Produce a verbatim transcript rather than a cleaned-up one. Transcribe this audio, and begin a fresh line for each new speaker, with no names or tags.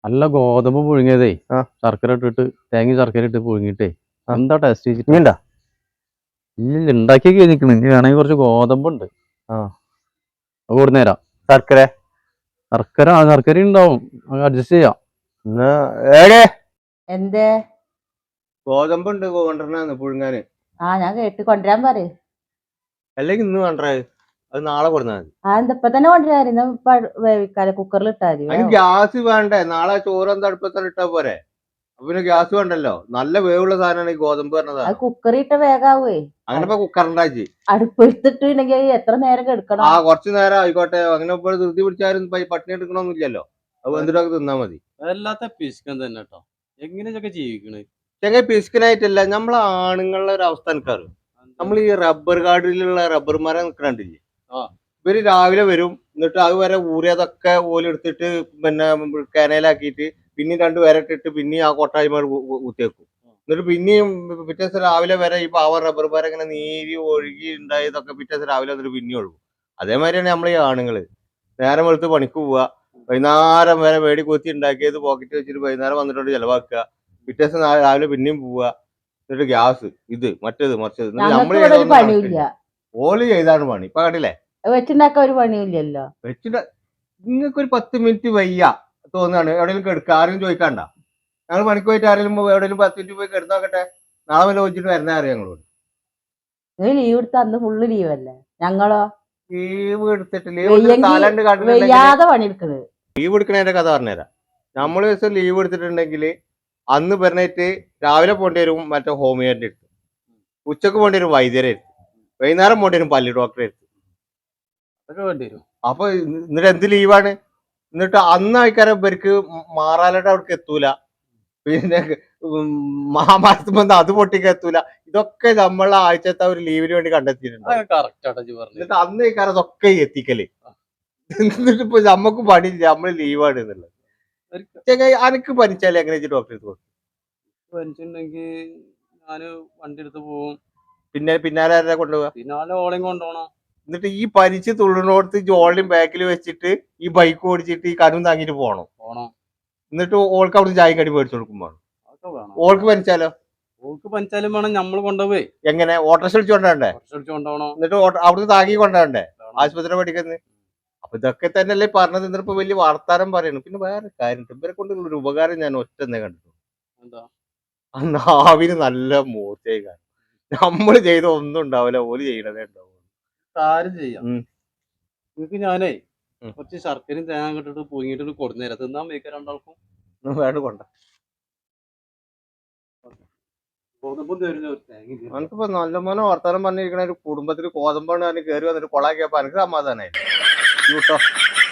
നല്ല ഗോതമ്പ് പുഴുങ്ങിയതേ
ആ.
ശർക്കര ഇട്ടിട്ട് തേങ്ങ ശർക്കര ഇട്ട് പുഴുങ്ങിട്ടേ
ആ.
എന്താ ടേസ്റ്റ്
ഇനി
വെച്ചിട്ട്
ഉണ്ടാ
ഇല്ല ഉണ്ടാക്കിയൊക്കെ കഴിഞ്ഞിരിക്കണ്. ഇനി വേണമെങ്കിൽ കുറച്ച് ഗോതമ്പുണ്ട്,
ആ
അത് കൊടുന്നേരാം.
ശർക്കര
ശർക്കര ആ ശർക്കര ഉണ്ടാവും, അഡ്ജസ്റ്റ് ചെയ്യാം.
എന്നാ ഏടേ
എന്തേ?
ഗോതമ്പുണ്ട് കൊണ്ടുവരണന്ന് പുഴുങ്ങാന്.
ആ ഞാൻ കേട്ട് കൊണ്ടുവരാൻ പറയും.
അല്ലെങ്കിൽ ഇന്ന് വേണ്ടേ, അത് നാളെ കൊടുത്താൽ മതി.
ആ എന്താ ഇപ്പൊ തന്നെ കൊണ്ടുവരായിരുന്നു. ഇപ്പൊ വേവിക്കാതെ കുക്കറിൽ ഇട്ടാ മതി.
അതിന് ഗ്യാസ് വേണ്ടേ? നാളെ ചോറ് അടുപ്പത്തന്നെ ഇട്ടാ പോരെ. അപ്പൊ പിന്നെ ഗ്യാസ് വേണ്ടല്ലോ. നല്ല വേവുള്ള സാധനമാണ് ഈ ഗോതമ്പ്
അത്
പറഞ്ഞതാണ്.
കുക്കറിൽ ഇട്ട വേഗാവേ.
അങ്ങനെ ഇപ്പൊ കുക്കറുണ്ടാക്കി
അടുപ്പെടുത്തിട്ടുണ്ടെങ്കിൽ എത്ര നേരം എടുക്കണം?
ആ കുറച്ചു നേരം ആയിക്കോട്ടെ. അങ്ങനെ ഇപ്പോൾ ധൃതി പിടിച്ചാലും പട്ടിണി എടുക്കണമെന്നില്ലല്ലോ. അത് എന്തിനൊക്കെ തിന്നാ മതി.
അതല്ലാത്ത പിശുക്കൻ തന്നെ കേട്ടോ. എങ്ങനെയൊക്കെ ജീവിക്കണേ
ചെങ്ങനെ പിസ്കിനായിട്ടല്ല, നമ്മളെ ആണുങ്ങളുടെ ഒരു അവസ്ഥ എനിക്കറിയും. നമ്മൾ ഈ റബ്ബർ കാർഡിലുള്ള റബ്ബർ മരം നിൽക്കണ്ടില്ലേ, ഇവര് രാവിലെ വരും, എന്നിട്ട് അതുവരെ ഊറിയതൊക്കെ ഓലെടുത്തിട്ട് പിന്നെ കനയിലാക്കിയിട്ട് പിന്നെയും രണ്ട് വരട്ടിട്ട് പിന്നെയും ആ കൊട്ടായ്മ കുത്തിയേക്കും. എന്നിട്ട് പിന്നെയും പിറ്റേ ദിവസം രാവിലെ വരെ ഈ പാവ റബ്ബർ മരം ഇങ്ങനെ നീരി ഒഴുകി ഉണ്ടായതൊക്കെ പിറ്റേ ദിവസം രാവിലെ വന്നിട്ട് പിന്നെ ഒഴുകും. അതേമാതിരിയാണ് നമ്മൾ ഈ ആണുങ്ങള്. നേരം വെളുത്ത് പണിക്ക് പോവുക, വൈകുന്നേരം വരെ വേടി കൊത്തി ഉണ്ടാക്കിയത് പോക്കറ്റ് വെച്ചിട്ട് വൈകുന്നേരം വന്നിട്ട് ചെലവാക്കുക, പിറ്റേ ദിവസം രാവിലെ പിന്നെയും പോവുക, എന്നിട്ട് ഗ്യാസ് ഇത് മറ്റേത് മറിച്ചത്. നമ്മള് ഓല് ചെയ്താണ് പണി. ഇപ്പൊ കണ്ടില്ലേ,
വെച്ചുണ്ടാക്കാൻ ഒരു പണിയില്ലല്ലോ.
വെച്ചിട്ട് നിങ്ങൾക്ക് ഒരു പത്ത് മിനിറ്റ് വയ്യ തോന്നുകയാണ്, എവിടെയെങ്കിലും കിടക്കുക, ആരെങ്കിലും ചോദിക്കാണ്ട. ഞങ്ങൾ പണിക്ക് പോയിട്ട് ആരെങ്കിലും എവിടെയെങ്കിലും പത്ത് മിനിറ്റ് പോയി കിടന്നോക്കട്ടെ, നാളെ വല്ല വെച്ചിട്ട് വരുന്ന അറിയാം ഞങ്ങളോട്.
ലീവ് എടുത്ത അന്ന് ഫുള്ള് ലീവ് അല്ലേ ഞങ്ങളോ?
ലീവ് എടുത്തിട്ട് ലീവ് കാലണ്ട്
പണിയെടുക്കണത്.
ലീവ് എടുക്കണതിന്റെ കഥ പറഞ്ഞുതരാം. നമ്മള് ദിവസം ലീവ് എടുത്തിട്ടുണ്ടെങ്കിൽ അന്ന് പറഞ്ഞിട്ട് രാവിലെ പോകേണ്ടി വരും മറ്റേ ഹോമിയോന്റെ അടുത്ത്, ഉച്ചക്ക് പോകേണ്ടി വരും വൈദ്യരെ അടുത്ത്, വൈകുന്നേരം പോകേണ്ടി വരും പല്ലി ഡോക്ടറെ അടുത്ത്. അപ്പൊ എന്നിട്ട് എന്ത് ലീവാണ്? എന്നിട്ട് അന്ന് ആൾക്കാരെ ഇവർക്ക് മാറാലയുടെ അവിടേക്ക് എത്തൂല, പിന്നെ മഹാമാസത്ത് വന്ന് അത് പൊട്ടിക്ക് എത്തൂല. ഇതൊക്കെ നമ്മളെ ആഴ്ചത്തെ ഒരു ലീവിന് വേണ്ടി കണ്ടെത്തിയിട്ടുണ്ട്. എന്നിട്ട് അന്ന് ആൾക്കാരെ അതൊക്കെ എത്തിക്കല്. എന്നിട്ട് ഇപ്പൊ നമ്മക്ക് പണിയില്ല, നമ്മള് ലീവാണ് എന്നുള്ളത്. അനക്ക് പനിച്ചാലേ എങ്ങനെ ഡോക്ടറെ അടുത്ത് പോകും?
പനിച്ചിട്ടുണ്ടെങ്കിൽ ഞാന് വണ്ടി എടുത്ത് പോകും.
പിന്നെ പിന്നാലെ ആരാ കൊണ്ടുപോവാ?
പിന്നാലെ ഓളയും കൊണ്ടുപോകണം.
എന്നിട്ട് ഈ പനിച്ച് തുള്ളിനോടത്ത് ജോളിയും ബാക്കിൽ വെച്ചിട്ട് ഈ ബൈക്ക് ഓടിച്ചിട്ട് ഈ കനും താങ്ങിട്ട് പോകണം
പോണം
എന്നിട്ട് ഓൾക്ക് അവിടെ ചായ കടി മേടിച്ചു കൊടുക്കുമ്പോ ഓൾക്ക് പനിച്ചാലോ?
ഓൾക്ക് പനിച്ചാലും വേണം നമ്മൾ കൊണ്ടുപോയി.
എങ്ങനെ? ഓട്ടോറിക്ഷ വിളിച്ചു കൊണ്ടുപോകണ്ടേ?
കൊണ്ടുപോകണം.
എന്നിട്ട് അവിടുന്ന് താങ്ങി കൊണ്ടുപോകണ്ടേ ആശുപത്രി പഠിക്കുന്നത്? അപ്പൊ ഇതൊക്കെ തന്നെയല്ലേ പറഞ്ഞത്. എന്നിട്ട് ഇപ്പൊ വലിയ വർത്താനം പറയണു. പിന്നെ വേറെ കാര്യം, ഇവരെ കൊണ്ടുള്ള ഒരു ഉപകാരം ഞാൻ ഒറ്റ തന്നെ കണ്ടിട്ടു. ആ നാവിന് നല്ല മൂർച്ചയായി കാണും. നമ്മള് ചെയ്ത ഒന്നും ഉണ്ടാവില്ല, ഓല് ചെയ്യണതേ ഉണ്ടാവും.
കാര്യം ചെയ്യാം, നിങ്ങക്ക് ഞാനേ കുറച്ച് ശർക്കരയും തേങ്ങ ഇട്ടിട്ട് പൊങ്ങിട്ട് കൊടുന്നേരാം, തിന്നാൻ വയ്ക്കാൻ രണ്ടാൾക്കും.
വേണ്ട കൊണ്ട എനിക്കിപ്പോ നല്ല മോനെ വർത്താനം പറഞ്ഞിരിക്കണ ഒരു കുടുംബത്തിൽ കോതമ്പാണ് കയറി വന്നിട്ട് കൊളാക്കിയപ്പോ എനിക്ക് സമാധാനായി.